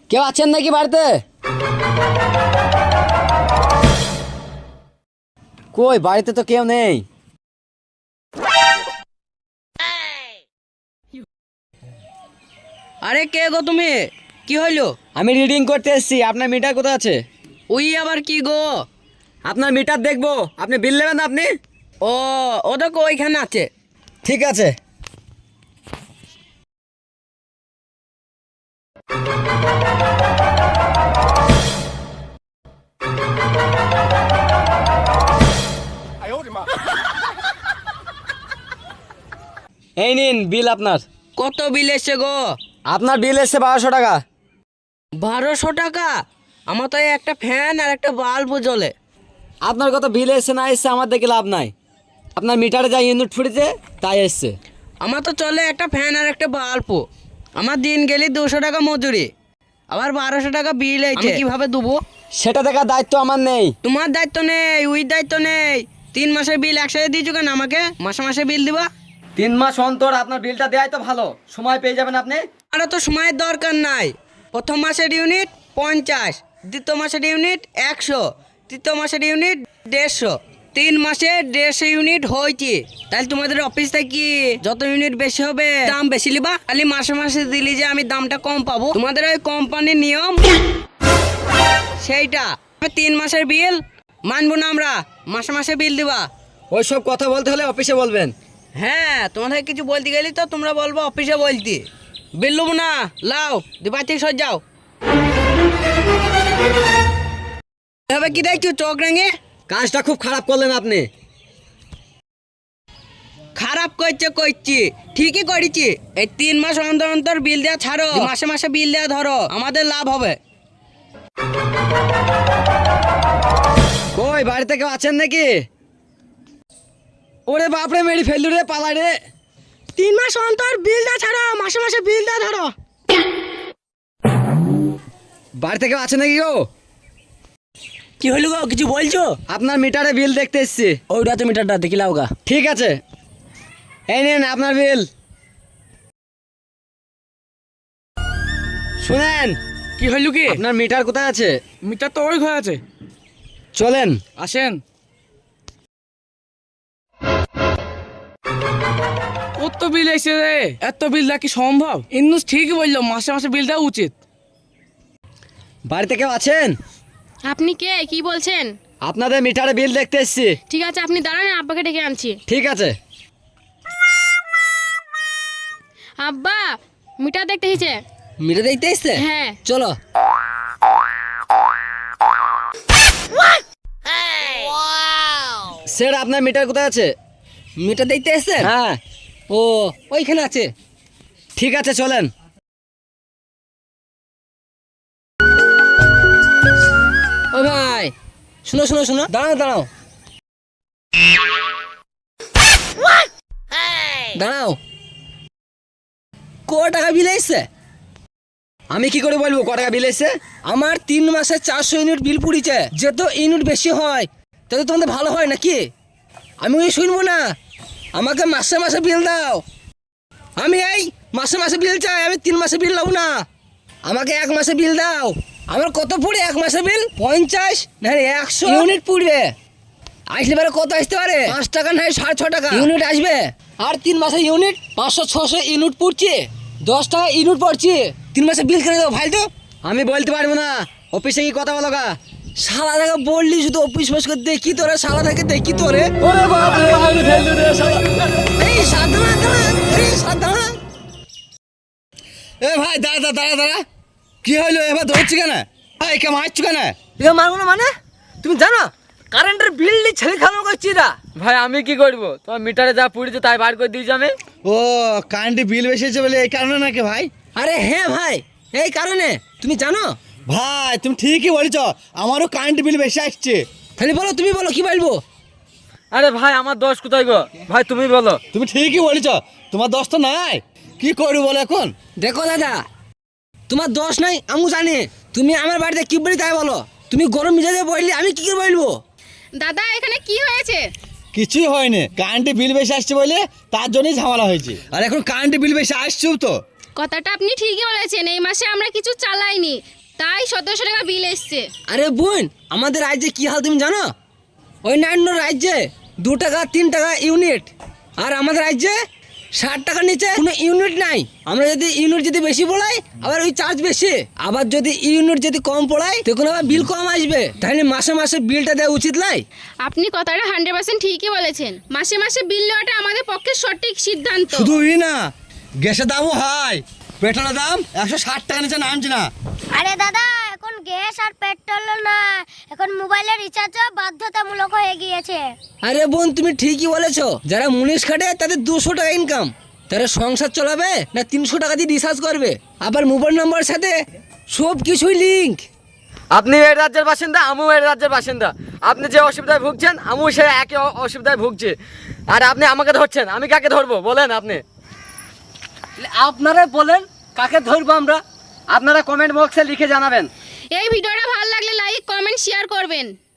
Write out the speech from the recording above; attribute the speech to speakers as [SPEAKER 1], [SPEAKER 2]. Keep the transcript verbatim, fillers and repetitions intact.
[SPEAKER 1] কেউ আছেন নাকি বাড়িতে? কই বাড়িতে তো কেউ নেই।
[SPEAKER 2] আরে কে গো তুমি? কি হইলো?
[SPEAKER 1] আমি রিডিং করতে এসেছি। আপনার মিটার কোথায় আছে?
[SPEAKER 2] ওই আবার কি গো?
[SPEAKER 1] আপনার মিটার দেখবো। আপনি বিল নেবেন না আপনি?
[SPEAKER 2] ও ও দেখো ওইখানে আছে।
[SPEAKER 1] ঠিক আছে। এই নিন বিল আপনার।
[SPEAKER 2] কত বিল এসছে গো?
[SPEAKER 1] আপনার বিল এসছে বারোশো টাকা।
[SPEAKER 2] বারোশো টাকা? আমার তো এই একটা ফ্যান আর একটা বাল্ব জ্বলে।
[SPEAKER 1] আপনার কত বিল এসছে না এসছে আমার দেখে লাভ নাই। আপনার মিটারে যা ইউনিট ফুটেছে তাই এসছে।
[SPEAKER 2] আমার তো চলে একটা ফ্যান আর একটা বাল্ব। আমার দিন গেলে দুশো টাকা মজুরি, আবার বারোশো টাকা বিল এইছে, কিভাবে দেবো?
[SPEAKER 1] সেটা দেখার দায়িত্ব আমার নেই।
[SPEAKER 2] তোমার দায়িত্ব নেই, ওই দায়িত্ব নেই। তিন মাসের বিল একসাথে দিয়েছো কেন আমাকে? মাসে মাসে বিল দিবা?
[SPEAKER 1] তিন মাস অন্তর আপনার বিলটা দেওয়াই তো ভালো, সময় পেয়ে যাবেন আপনি।
[SPEAKER 2] আরও তো সময়ের দরকার নাই। প্রথম মাসের ইউনিট পঞ্চাশ, দ্বিতীয় মাসের ইউনিট একশো, তৃতীয় মাসের ইউনিট দেড়শো। তিন মাসে দেড়শো ইউনিট হয়েছে। তাহলে তোমাদের অফিস থেকে যত ইউনিট বেশি হবে দাম বেশি লিবা। খালি মাসে মাসে দিলি যে আমি দামটা কম পাবো, তোমাদের ওই কোম্পানির নিয়ম সেইটা। তিন মাসের বিল মানবো না আমরা, মাসে মাসে বিল দিবা।
[SPEAKER 1] ওই সব কথা বলতে হলে অফিসে বলবেন।
[SPEAKER 2] হ্যাঁ, তোমাদের কিছু বলতে গেলি তো তোমরা বলবো অফিসে বলতে। বিল লুবো না, লাও দিবা থেকে সর যাও। এভাবে কি দেখছো চোখ রেঙে?
[SPEAKER 1] কাজটা খুব খারাপ করলেন আপনি।
[SPEAKER 2] খারাপ করছে করছি, ঠিকই করেছি। এই তিন মাস অন্তর অন্তর বিল দেওয়া ছাড়ো, মাসে মাসে বিল দেওয়া ধরো, আমাদের লাভ হবে।
[SPEAKER 1] কই বাড়িতে কেউ আছেন নাকি? ওরে বাপরে মেরি ফেললু রে, পালা রে।
[SPEAKER 2] তিন মাস অন্তর বিল দেওয়া ছাড়ো, মাসে মাসে বিল দেওয়া ধরো।
[SPEAKER 1] বাড়িতে কেউ আছে নাকি গো?
[SPEAKER 2] কি হলো গো, কিছু বলছো?
[SPEAKER 1] আপনার মিটারে বিল দেখতে এসছি।
[SPEAKER 2] ওইটা তো মিটারটা দেখিলাও গা।
[SPEAKER 1] ঠিক আছে, এই নিন আপনার বিল। শুনেন,
[SPEAKER 2] কি হলো কি?
[SPEAKER 1] আপনার মিটার কোথায় আছে?
[SPEAKER 2] মিটার তো ওই ঘরে আছে।
[SPEAKER 1] চলেন।
[SPEAKER 2] আসেন। কত বিল এসে রে? এত বিল দেওয়া কি সম্ভব? ইন্নুস ঠিকই বললো, মাসে মাসে বিল দেওয়া উচিত।
[SPEAKER 1] বাড়িতে কেউ আছেন?
[SPEAKER 3] আপনি কে, কি বলছেন?
[SPEAKER 1] আপনাদের মিটারে বিল দেখতে এসছি।
[SPEAKER 3] ঠিক আছে, আপনি দাঁড়ান, আব্বাকে ডেকে আনছি।
[SPEAKER 1] ঠিক আছে।
[SPEAKER 3] আব্বা, মিটার দেখতে এসেছে।
[SPEAKER 1] মিটার দেখতে এসছে?
[SPEAKER 3] হ্যাঁ।
[SPEAKER 1] চলো। স্যার আপনার মিটার কোথায় আছে?
[SPEAKER 2] মিটার দেখতে এসছে?
[SPEAKER 1] হ্যাঁ।
[SPEAKER 2] ও ওইখানে আছে।
[SPEAKER 1] ঠিক আছে চলেন।
[SPEAKER 2] ও ভাই, শুনো শুনো শুনো, দাঁড়াও দাঁড়াও দাঁড়াও। ক টাকা বিল এসছে?
[SPEAKER 1] আমি কি করে বলবো ক টাকা বিল এসছে?
[SPEAKER 2] আমার তিন মাসে চারশো ইউনিট বিল পুড়িছে। যত ইউনিট বেশি হয় তত তোমাদের ভালো হয় নাকি? আমি ওই শুনবো না, আমাকে মাসে মাসে বিল দাও। আমি এই মাসে মাসে বিল চাই, আমি তিন মাসে বিল নেবো না। আমাকে এক মাসে বিল দাও। আমার কত পড়ে এক মাসে বিল? পঞ্চাশ না একশো ইউনিট পুড়বে। আসলে পরে কত আসতে পারে? পাঁচ টাকা না সাড়ে ছ টাকা ইউনিট আসবে। আর তিন মাসে ইউনিট পাঁচশো ছশো ইউনিট পুড়ছে, দশ টাকা ইউনিট পড়ছে। তিন মাসে বিল কেন দেবো ভাই? তো
[SPEAKER 1] আমি বলতে পারবো না, অফিসে কি কথা বলো গা?
[SPEAKER 2] শালা থেকে বললি শুধু অফিস ফস করে দেখি তোরে, শালা থেকে দেখি তোরে।
[SPEAKER 1] ওরে বাপ রে, আমি ফেললু রে শালা।
[SPEAKER 2] এই সাধারণ এই সাধারণ
[SPEAKER 1] এ ভাই দাঁড়া দাঁড়া দাঁড়া দাঁড়া। কি হইলো এবার ধরছি কেন? ভাই কে মারছো কেন?
[SPEAKER 2] তুই মারবো না মানে? তুমি জানো কারেন্টের বিল নিয়ে ছেলে খাওয়া করছি না?
[SPEAKER 1] ভাই আমি কি করবো, তোমার মিটারে যা পুড়েছে তাই বার করে দিয়েছি আমি।
[SPEAKER 4] ও কারেন্টের বিল বেশি হয়েছে বলে এই কারণে নাকি ভাই?
[SPEAKER 2] আরে হ্যাঁ ভাই, এই কারণে। তুমি জানো?
[SPEAKER 4] ভাই তুমি ঠিকই বলেছ, আমারও কারেন্ট বিল বেশি আসছে।
[SPEAKER 2] তাহলে বলো, তুমি বলো কি বলবো?
[SPEAKER 1] আরে ভাই আমার দোষ কোথায় গো? ভাই তুমি বলো।
[SPEAKER 4] তুমি ঠিকই বলেছ, তোমার দোষ তো নাই। কি করবো বলো এখন?
[SPEAKER 2] দেখো দাদা, তোমার দোষ নাই আমি জানি। তুমি আমার বাড়িতে কি বলি তাই বলো। তুমি গরম মিজাজে বললি আমি কি করে বলবো?
[SPEAKER 3] দাদা, এখানে কি হয়েছে?
[SPEAKER 4] কিছুই হয়নি, কারেন্টের বিল বেশি আসছে বলে তার জন্যই ঝামেলা হয়েছে। আর এখন কারেন্টের বিল বেশি আসছেও তো।
[SPEAKER 3] কথাটা আপনি ঠিকই বলেছেন, এই মাসে আমরা কিছু চালাইনি, তাই সতেরোশো টাকা বিল এসছে।
[SPEAKER 2] আরে বোন, আমাদের রাজ্যে কি হাল তুমি জানো? অন্যান্য রাজ্যে দু টাকা তিন টাকা ইউনিট, আর আমাদের রাজ্যে ষাট টাকার নিচে কোনো ইউনিট নাই। আমরা যদি ইউনিট যদি বেশি পড়াই আবার ওই চার্জ বেশি, আবার যদি ইউনিট যদি কম পড়াই তখন আবার বিল কম আসবে। তাহলে মাসে মাসে বিলটা দেওয়া উচিত নয়?
[SPEAKER 3] আপনি কথাটা হান্ড্রেড পার্সেন্ট ঠিকই বলেছেন। মাসে মাসে বিল নেওয়াটা আমাদের পক্ষে সঠিক সিদ্ধান্ত।
[SPEAKER 1] শুধু ই না, গ্যাসের দামও হাই, পেট্রোলের দাম একশো ষাট টাকা নিচে নামছে না।
[SPEAKER 5] আরে দাদা, এখন গ্যাস আর পেট্রোল না, এখন মোবাইলের রিচার্জও বাধ্যতামূলক হয়ে গিয়েছে।
[SPEAKER 2] আরে বোন, তুমি ঠিকই বলেছো। যারা মুনিশ খাটে তাদের দুশো টাকা ইনকাম, তারা সংসার চালাবে না তিনশো টাকা দিয়ে রিচার্জ করবে? আবার মোবাইল নম্বরের সাথে সব কিছুই লিঙ্ক।
[SPEAKER 6] আপনি এই রাজ্যের বাসিন্দা, আমিও এই রাজ্যের বাসিন্দা। আপনি যে অসুবিধায় ভুগছেন আমিও সেই একই অ- অসুবিধায় ভুগছি। আর আপনি আমাকে ধরছেন, আমি কাকে ধরবো বলেন আপনি? আপনারা বলেন কাকে ধরবো আমরা? আপনারা কমেন্ট বক্সে লিখে জানাবেন।
[SPEAKER 3] এই ভিডিওটা ভালো লাগলে লাইক কমেন্ট শেয়ার করবেন।